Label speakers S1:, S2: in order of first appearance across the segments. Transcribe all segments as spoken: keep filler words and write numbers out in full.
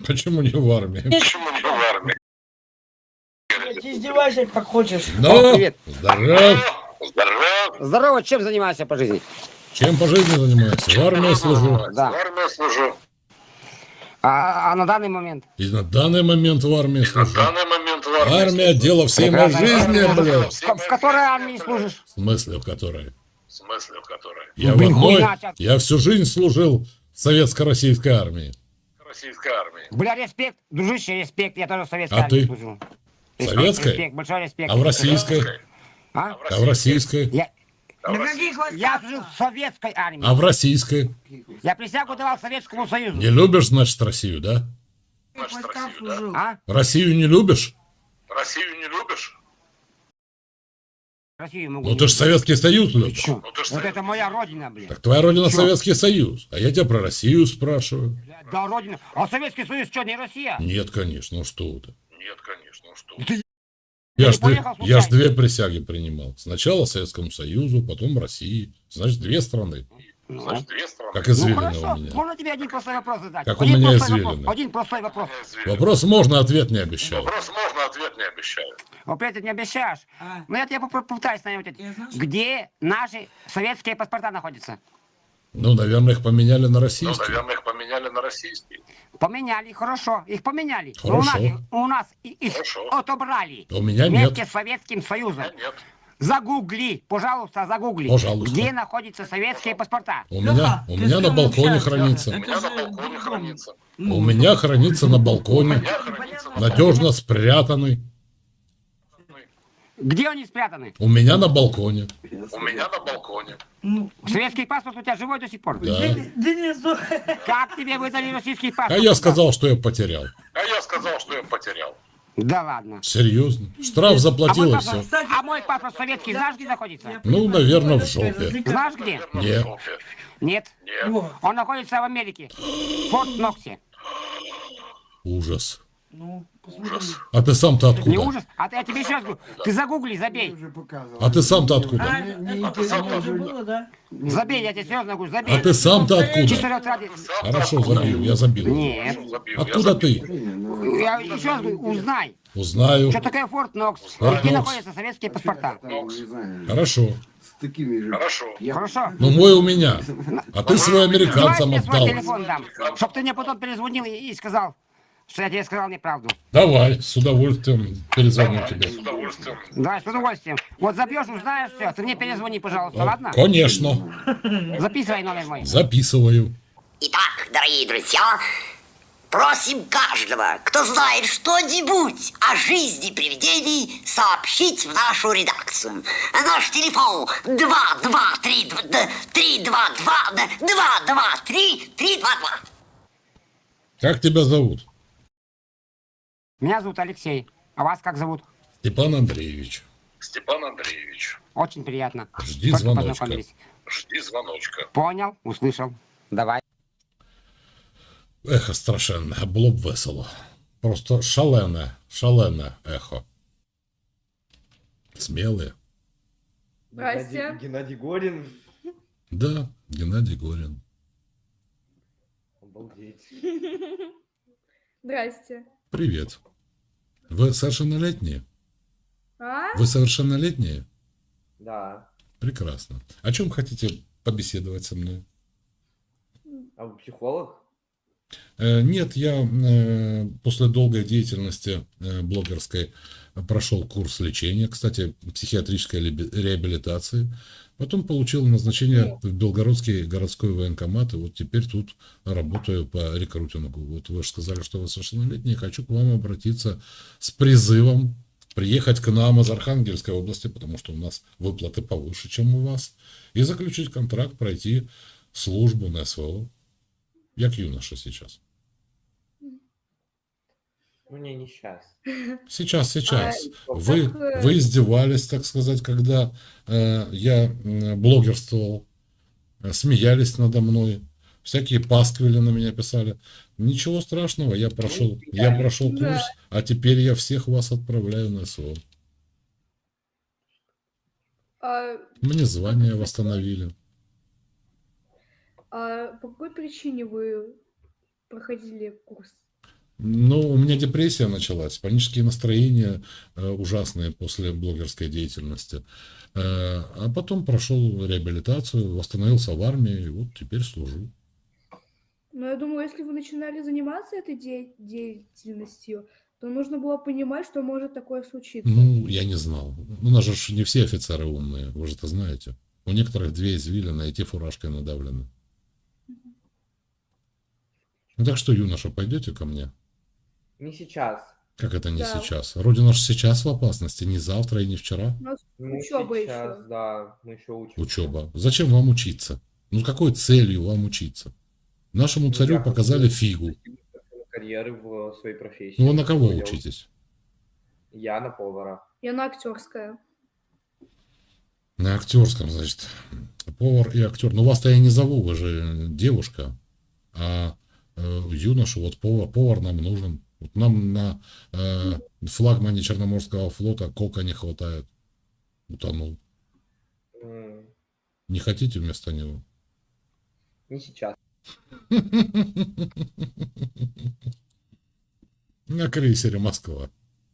S1: Почему не в армии?
S2: Почему не в армии?
S3: Ты издевайся как хочешь.
S1: Ну,
S4: О, привет.
S1: здоров.
S2: Здорово.
S4: Здорово, чем занимаешься по жизни?
S1: Чем по жизни занимаюсь? В армии служу.
S4: Да.
S2: В армии служу.
S4: А, а на данный момент?
S1: И на данный момент в армии
S2: На
S1: служу.
S2: данный момент в армии.
S1: Армия — дело всей моей
S4: Прекрасно.
S1: жизни, блядь.
S4: В, в которой армии служишь?
S1: В смысле, в которой?
S2: В смысле, в которой?
S1: Я в
S4: Блин,
S1: одной.
S4: хуйня, чат.
S1: Я всю жизнь служил в советско-российской армии.
S2: Российской армии.
S4: Бля, респект, дружище, респект, я тоже в советской
S1: А
S4: армии
S1: ты?
S4: служил. Респект,
S1: Советской?
S4: Респект, большой респект.
S1: А в российской?
S4: А?
S1: А в российской?
S4: Я,
S2: А в
S3: На
S2: России?
S3: каких войсках?
S4: я служил в советской армии.
S1: А в российской?
S4: Я присягу давал Советскому Союзу.
S1: Не любишь, значит, Россию, да?
S3: В каких войсках
S2: Россию, да?
S3: служил?
S4: А?
S1: Россию не любишь?
S2: Россию не любишь?
S4: Россию могу.
S1: Ну ты ж Советский Союз любишь.
S4: Чё?
S2: Ну ты ж
S4: Вот
S2: Совет-
S4: это моя родина, блин.
S1: Так твоя родина
S4: Чё?
S1: Советский Союз. А я тебя про Россию спрашиваю.
S4: Бля, да, родина. А Советский Союз что, не Россия?
S1: Нет, конечно, ну что ты.
S2: Нет, конечно, ну что?
S4: Ты
S1: Я
S4: не
S1: ж, две,
S4: поехал
S1: я ж
S4: случайно?
S1: две присяги принимал. Сначала Советскому Союзу, потом России. Значит, две страны.
S4: Ну,
S2: Значит, две страны.
S1: Как
S4: ну
S1: извилина
S4: хорошо,
S1: у меня.
S4: можно тебе один простой вопрос задать?
S1: Как у
S4: один
S1: меня
S4: простой
S1: извилины.
S4: вопрос. Один простой вопрос.
S1: Вопрос можно, ответ не обещаю.
S2: Вопрос можно, ответ не обещаю.
S4: Опять ты не обещаешь.
S3: А,
S4: Ну я тебе попро- попытаюсь найти.
S3: Я знаю, что-
S4: Где наши советские паспорта находятся?
S1: Ну, наверное, их поменяли на
S2: Ну,
S1: российские.
S2: наверное, их поменяли на российские.
S4: Поменяли, хорошо, их поменяли. Но у нас,
S1: Хорошо.
S4: у нас и- их
S2: Хорошо.
S4: отобрали.
S1: У меня
S4: Вместе
S1: нет.
S4: с Советским Союзом.
S2: А нет.
S4: Загугли, пожалуйста, загугли.
S1: Пожалуйста.
S4: Где находятся советские паспорта?
S1: У меня, у
S3: ты
S1: меня
S3: с
S1: на
S3: кем
S1: балконе
S3: общаешься?
S1: хранится.
S2: У
S3: Это
S2: меня на
S3: же
S2: балконе
S3: другом.
S2: хранится.
S3: Ну,
S1: У меня хранится на балконе.
S2: У меня хранится на
S1: Надежно спрятанный.
S4: Где они спрятаны?
S1: У меня на балконе.
S2: У меня на балконе.
S3: ну,
S4: Советский паспорт у тебя живой до сих пор?
S1: Да.
S3: Дени- Денис, ну,
S4: Как тебе выдали российский
S1: А
S4: паспорт?
S1: я сказал, что я потерял.
S2: А я сказал, что я потерял.
S4: Да ладно.
S1: Серьезно. Штраф
S4: А
S1: заплатил
S4: мой
S1: и
S4: паспорт,
S1: все.
S3: кстати,
S4: а мой паспорт советский знаешь, где находится?
S1: Ну, наверное, в жопе.
S4: Знаешь где?
S2: Наверное, в
S1: Нет.
S2: жопе.
S4: Нет.
S2: Нет.
S3: Во,
S4: Он находится в Америке. В Форт Ноксе.
S1: Ужас.
S3: ну, посмотри.
S1: А ты сам-то
S4: Не
S1: откуда?
S4: ужас? А ты, я тебе еще раз говорю, ты загугли, забей.
S1: А ты сам-то откуда?
S3: А, это это уже было, да?
S4: Забей, я тебе серьезно говорю, забей.
S1: А ты сам-то откуда?
S4: Чисто ради...
S1: Хорошо, забил, я забил.
S4: Нет.
S2: Забил.
S1: Откуда ты?
S4: Я еще раз говорю, узнай,
S1: Узнаю.
S4: что такое Форт Нокс,
S1: Форт
S4: где
S1: Нокс.
S4: находятся советские паспорта.
S1: Хорошо.
S5: С такими же.
S2: Хорошо.
S4: Хорошо?
S1: Ну, мой у меня. А ты свой
S4: Давай я
S1: американцам
S4: тебе свой
S1: отдал.
S4: телефон дам, чтоб ты мне потом перезвонил и, и сказал, что я тебе сказал неправду.
S1: Давай, с удовольствием перезвоню тебе.
S2: С удовольствием.
S4: Давай, с удовольствием. Вот забьешь, узнаешь все, ты мне перезвони, пожалуйста, ладно?
S1: Конечно.
S4: Записывай номер мой.
S1: Записываю.
S6: Итак, дорогие друзья, просим каждого, кто знает что-нибудь о жизни привидений, сообщить в нашу редакцию. Наш телефон два два три три два два два два три три два два.
S1: Как тебя зовут?
S4: Меня зовут Алексей. А вас как зовут?
S1: Степан Андреевич.
S2: Степан Андреевич,
S4: Очень приятно.
S1: Жди
S4: Только
S1: звоночка.
S4: познакомились.
S2: жди звоночка.
S4: Понял, услышал. Давай.
S1: Ехо страшенне, було б весело. Просто шалене, шалене ехо. Смелые.
S7: Здрасте.
S8: Геннадий, Геннадий Горин.
S1: Да, Геннадий Горин.
S8: Обалдеть.
S7: Здрасте.
S1: Привет. Вы совершеннолетние?
S7: А?
S1: Вы совершеннолетние?
S8: Да.
S1: Прекрасно. О чем хотите побеседовать со мной?
S8: А вы психолог?
S1: Э, Нет, я э, после долгой деятельности э, блогерской прошел курс лечения, кстати, психиатрической леби- реабилитации. Потом получил назначение в Белгородский городской военкомат, и вот теперь тут работаю по рекрутингу. Вот вы же сказали, что вы совершеннолетние. Хочу к вам обратиться с призывом приехать к нам из Архангельской области, потому что у нас выплаты повыше, чем у вас, и заключить контракт, пройти службу на СВО. Як юноша сейчас.
S8: Ну, не, не сейчас.
S1: Сейчас, сейчас.
S7: А,
S1: Вы,
S7: как, э,
S1: вы издевались, так сказать, когда э, я э, блогерствовал, э, смеялись надо мной, всякие пасквили на меня писали. Ничего страшного, я прошел, я прошел
S7: Да.
S1: курс, а теперь я всех вас отправляю на СВО.
S7: А,
S1: Мне звание восстановили.
S7: а по какой причине вы проходили курс?
S1: Ну, у меня депрессия началась, панические настроения э, ужасные после блогерской деятельности. Э, а потом прошел реабилитацию, восстановился в армии, и вот теперь служу.
S7: Но я думаю, если вы начинали заниматься этой де- деятельностью, то нужно было понимать, что может такое случиться.
S1: Ну, я не знал. У нас же ж не все офицеры умные, вы же это знаете. У некоторых две извилины, и те фуражкой надавлены. Ну, так что, юноша, пойдете ко мне?
S8: Не сейчас.
S1: Как это не
S7: Да.
S1: сейчас? Родина же сейчас в опасности, не завтра и не вчера.
S7: У нас
S8: Ну,
S7: учеба
S8: сейчас,
S7: еще.
S8: да, мы еще учимся.
S1: Учеба. Зачем вам учиться? Ну, с какой целью вам учиться? Нашему
S8: Ну,
S1: царю
S8: я
S1: показали
S8: хочу
S1: фигу.
S8: достигнуть карьеры в своей профессии.
S1: Ну, вы на кого
S8: Я-
S1: учитесь?
S8: Я на повара.
S7: Я на актерская.
S1: На актерском, значит. Повар и актер. Ну, вас-то я не зову, вы же девушка. А э, юношу, вот повар, повар нам нужен. Вот нам на э, флагмане Черноморского флота кока не хватает. Утонул.
S8: М,
S1: Не хотите вместо него?
S8: Не сейчас.
S1: На крейсері Москва.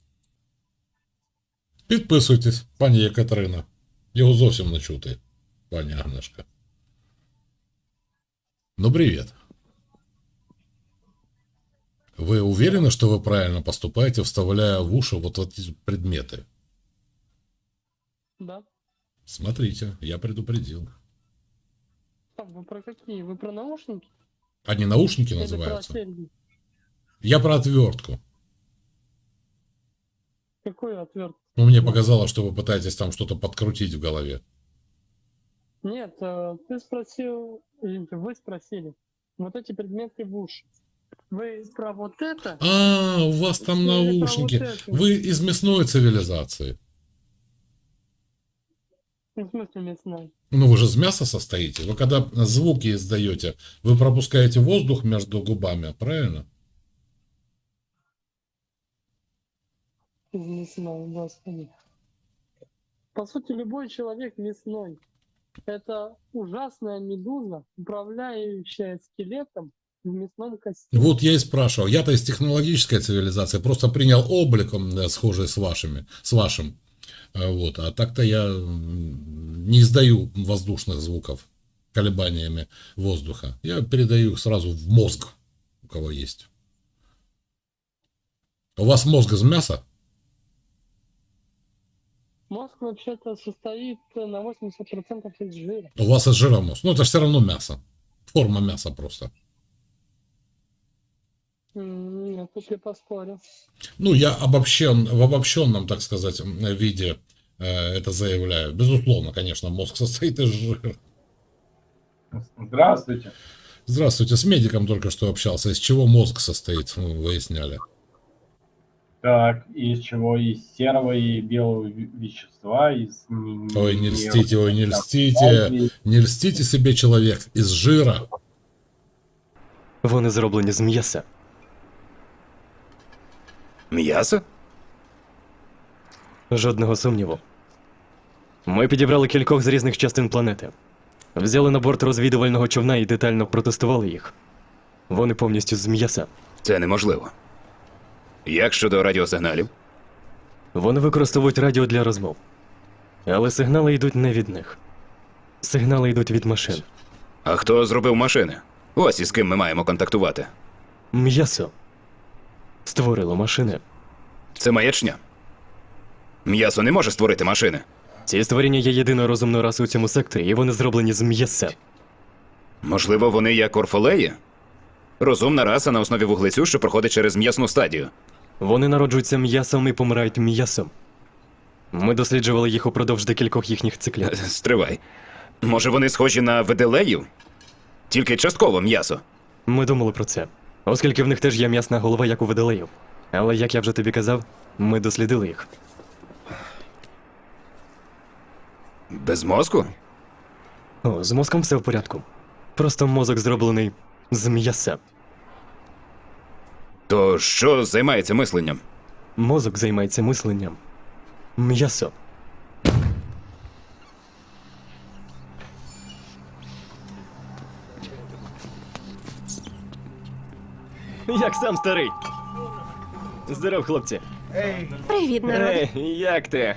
S1: Підписуйтесь, пані Єкатерина. Його зовсім не чути, пані Агнешка. Ну, привет. Вы уверены, что вы правильно поступаете, вставляя в уши вот эти предметы?
S5: Да.
S1: Смотрите, я предупредил.
S5: А вы про какие? Вы про наушники?
S1: Они наушники
S5: Или
S1: называются?
S5: про серьги?
S1: Я про отвертку.
S5: Какой отвертку?
S1: Ну, мне показалось, что вы пытаетесь там что-то подкрутить в голове.
S5: Нет, э, ты спросил, или вы спросили, вот эти предметы в уши. Вы про вот это?
S1: А, у вас там
S5: Или про
S1: наушники.
S5: вот это?
S1: Вы из мясной цивилизации.
S5: В смысле мясной?
S1: Ну, вы же из мяса состоите. Вы когда звуки издаете, вы пропускаете воздух между губами, правильно?
S5: Из мясной, господи. По сути, любой человек мясной. Это ужасная медуза, управляющая скелетом в мясном костюме.
S1: Вот я и спрашивал. Я-то из технологической цивилизации просто принял обликом, да, схожий с вашими, с вашим. А Вот. А так-то я м, не издаю воздушных звуков колебаниями воздуха. Я передаю их сразу в мозг, у кого есть. У вас мозг из мяса?
S5: Мозг вообще-то состоит на восемьдесят процентов из жира.
S1: У вас из жира мозг. Ну, это же все равно мясо. Форма мяса просто.
S5: М, Нет, тут я поспорю.
S1: Ну, я обобщен, в обобщенном, так сказать, виде э, это заявляю. Безусловно, конечно, мозг состоит из жира.
S9: Здравствуйте.
S1: Здравствуйте, с медиком только что общался. Из чего мозг состоит, ну, выясняли.
S9: Так, из чего? Из серого и белого ве- вещества, из... н-
S1: Ой, не
S9: н-
S1: льстите, ой, не
S9: там,
S1: льстите.
S9: калий.
S1: Не льстите себе, человек, из жира.
S10: Вони зроблені з м'яса.
S11: М'ясо?
S10: Жодного сумніву. Ми підібрали кількох з різних частин планети. Взяли на борт розвідувального човна і детально протестували їх. Вони повністю з м'яса.
S11: Це неможливо. Як щодо радіосигналів?
S10: Вони використовують радіо для розмов. Але сигнали йдуть не від них. Сигнали йдуть від машин.
S11: А хто зробив машини? Ось із ким ми маємо контактувати.
S10: М'ясо створило машини.
S11: Це маячня. М'ясо не може створити машини.
S10: Ці створіння є єдиною розумною расою у цьому секторі, і вони зроблені з м'яса.
S11: Можливо, вони як орфолеї? Розумна раса на основі вуглецю, що проходить через м'ясну стадію.
S10: Вони народжуються м'ясом і помирають м'ясом. Ми досліджували їх упродовж декількох їхніх циклів.
S11: Е, Стривай. Може, вони схожі на веделеїв? Тільки частково м'ясо.
S10: Ми думали про це, оскільки в них теж є м'ясна голова, як у водолеїв. Але, як я вже тобі казав, ми дослідили їх.
S11: Без мозку?
S10: О, з мозком все в порядку. Просто мозок зроблений з м'яса.
S11: То що займається мисленням?
S10: Мозок займається мисленням. М'ясо. Як сам старий. Здоров, хлопці.
S12: Привіт, народ.
S10: Ей, як ти?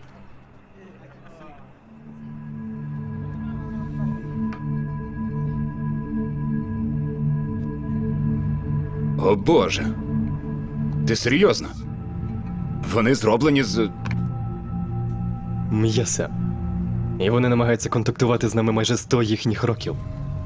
S11: О боже. Ти серйозно? Вони зроблені з.
S10: М'яса. І вони намагаються контактувати з нами майже сто їхніх років.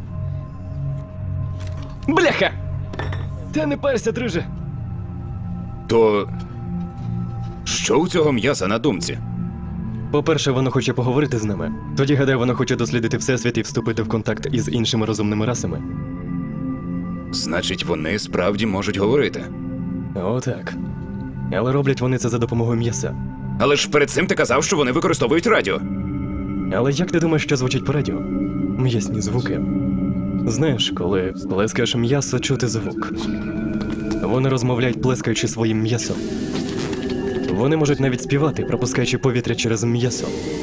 S10: Бляха! Та не парся, друже.
S11: То. Що у цього м'яса на думці?
S10: По-перше, воно хоче поговорити з нами. Тоді, гадаю, воно хоче дослідити всесвіт і вступити в контакт із іншими розумними расами.
S11: Значить, вони справді можуть говорити.
S10: Отак. Але роблять вони це за допомогою м'яса.
S11: Але ж перед цим ти казав, що вони використовують радіо.
S10: Але як ти думаєш, що звучить по радіо? М'ясні звуки. Знаєш, коли плескаєш м'ясо, чути звук. Вони розмовляють, плескаючи своїм м'ясом. Вони можуть навіть співати, пропускаючи повітря через м'ясо.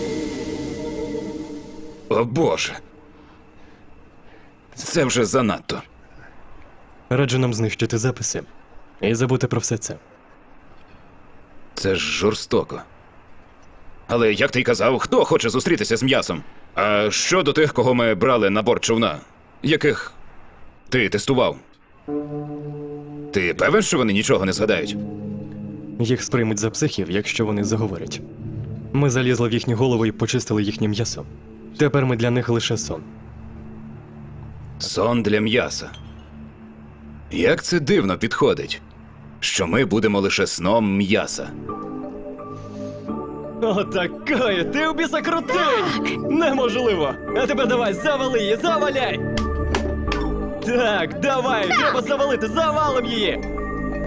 S11: О боже. Це вже занадто.
S10: Раджу нам знищити записи і забути про все це.
S11: Це ж жорстоко. Але як ти й казав, хто хоче зустрітися з м'ясом? А що до тих, кого ми брали на борт човна? Яких ти тестував? Ти певен, що вони нічого не згадають?
S10: Їх сприймуть за психів, якщо вони заговорять. Ми залізли в їхню голову і почистили їхнє м'ясо. Тепер ми для них лише сон.
S11: Сон для м'яса. Як це дивно підходить, що ми будемо лише сном м'яса.
S10: Отакої, ти у біса крутий! Неможливо! А тепер давай, завали її, заваляй! Так, давай, треба завалити, завалим її!